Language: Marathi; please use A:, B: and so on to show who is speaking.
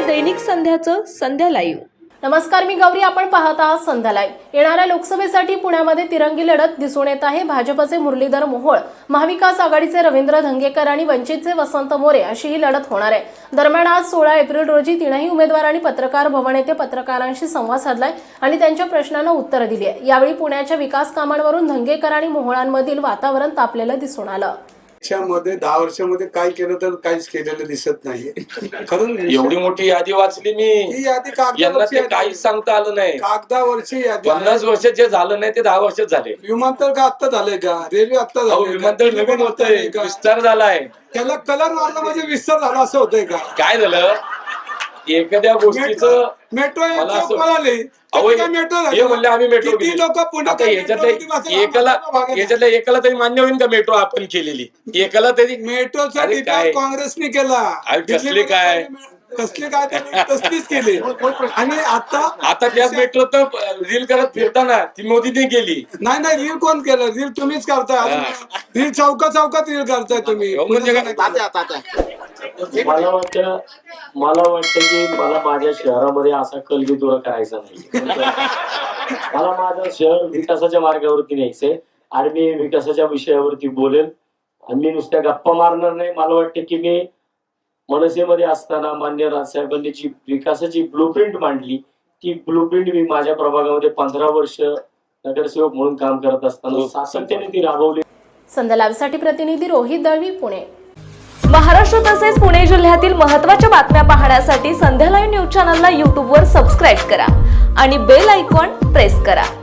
A: दैनिक संध्याचं संध्या लाईव्ह।
B: नमस्कार, मी गौरी, आपण पाहत आहात संध्या लाईव्ह। येणाऱ्या लोकसभेसाठी पुण्यामध्ये तिरंगी लढत दिसून येत आहे। भाजपचे मुरलीधर मोहोळ, महाविकास आघाडीचे रवींद्र धंगेकर आणि वंचितचे वसंत मोरे अशी ही लढत होणार आहे। दरम्यान आज 16 एप्रिल रोजी तीनही उमेदवारांनी पत्रकार भवन येथे पत्रकारांशी संवाद साधलाय आणि त्यांच्या प्रश्नांना उत्तरे दिली आहे। यावेळी पुण्याच्या विकास कामांवरून धंगेकर आणि मोहोळांमधील वातावरण तापलेलं दिसून आलं।
C: मध्ये 10 वर्षामध्ये काय केलं तर काहीच केलेलं दिसत नाही। खरं
D: एवढी मोठी यादी वाचली मी,
C: ही यादी
D: यांना ते काहीच सांगता आलं नाही।
C: कागदावरची यादी
D: 50 वर्ष जे झालं नाही ते 10 वर्षात झाले।
C: विमानतळ का आता झालंय का? रेल्वे आता झाली?
D: विमानतळ नवीन होतंय, विस्तार झालाय,
C: त्याला कलर मारला म्हणजे विस्तार झाला असं होतंय का?
D: काय झालं एखाद्या गोष्टीचं
C: मेट्रो
D: मला असं
C: पळाली,
D: हे म्हणले आम्ही मेट्रो
C: किती लोक पुण्यात
D: याच्यातल्या एकाला तरी मान्य होईल का मेट्रो आपण केलेली? एकाला तरी
C: मेट्रोचा
D: अरे
C: विचार
D: काय?
C: काँग्रेसने केला।
D: कसले काय
C: त्यांनी तसलीच केली आणि
D: आता त्याच मेट्रो तर रील करत फिरताना ती मोदीने केली
C: नाही रील कोण केलं? रील तुम्हीच करताय। रील चौकात रील करताय तुम्ही।
D: म्हणजे
E: मला वाटतं की मला माझ्या शहरामध्ये असा कलगीतुरा करायचा नाही। मला माझं शहर विकासाच्या मार्गावरती न्यायचंय आणि मी विकासाच्या विषयावरती बोलेल आणि मी नुसत्या गप्पा मारणार नाही। मला वाटतं की मी मनसेमध्ये असताना मान्य राजसाहेबांनी जी विकासाची ब्लूप्रिंट मांडली, ती ब्लूप्रिंट मी माझ्या प्रभागामध्ये 15 वर्ष नगरसेवक म्हणून काम करत असताना सातत्याने ती राबवली।
B: संध्या लाईव्हसाठी प्रतिनिधी रोहित दळवी, पुणे।
A: महाराष्ट्र तसेच पुणे जिल्ह्यातील महत्त्वाच्या बातम्या पाहण्यासाठी संध्या लाईव्ह न्यूज चॅनलला YouTube वर सबस्क्राईब करा आणि बेल आयकॉन प्रेस करा।